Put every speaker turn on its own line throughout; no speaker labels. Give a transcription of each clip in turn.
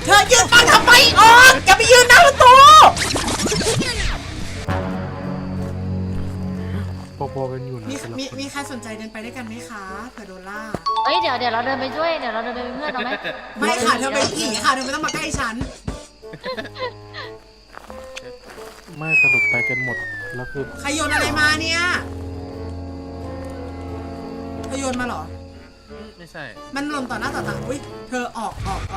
เธอยืนฟังทำไมออกอย่าไปยืนหน้าประตู
พอๆกันอยู่นะ
มีใครสนใจเดินไปด้วยกันไหมคะเผื่อโดนล่า
เฮ้ยเดี๋ยวเราเดินไปด้วยเดี๋ยวเราเดินไปเป็นเพื่อนเราไหม
ไม่ค่ะเธอเป็นผีค่ะเธอไม่ต้องมาใกล้ฉัน
ไม่สรุปไปกันหมดแล้วคือ
ใครโยนอะไรมาเนี่ยเธอโยนมาเหรอ
ไม่ใช่
มันหล่นต่อหน้าต่อตาอุ้ยเธอออก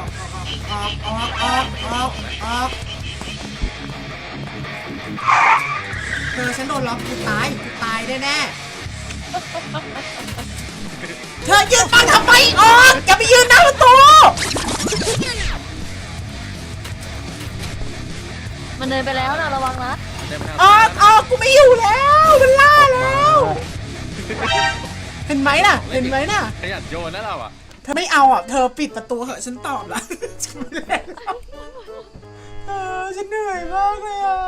เธอฉันโดนล็อกกูตายแน่ๆเธอยืนฟังทำไมออกอย่าไปยืนหน้าประตู
มันเดินไปแล้วนะระวังนะ
เดินไปทาง
ออกกูไม่อยู่แล้วมันล่าแล้วเห็นไหมน่ะ
ขยันโยนนะเราอ่ะ
เธอไม่เอาอ่ะเธอปิดประตูเหอะฉันตอบแล้วฉันไม่เล่นแล้วฉันเหนื่อยมากเลยอ่ะ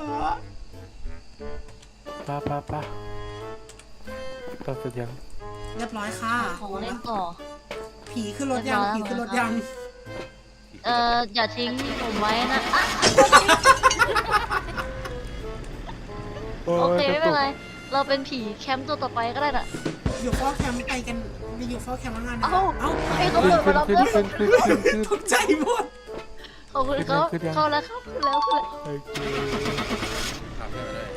ป้าตัดเสร็จยัง
เรียบร้อยค่ะ
ของเล่นต่อ
ผีขึ้นรถยัง
อย่าทิ้งผมไว้นะอ่ะโอเคไม่เป็นไรเราเป็นผีแคมป์ตัวต่อไปก็ได้น่ะ
อยู่เฝ้าแคมป์ไปกันไปอยู่เฝ้าแคมป์แล้วงานนะ
เอ้า
เอ้า
ให้เขาเปิดมารับเพื่อน
ขึ้น
ตกใจหมด
ขอบคุณเขาเข้าแล้วครับขึ้นแล้ว
โอเค
ขับเลย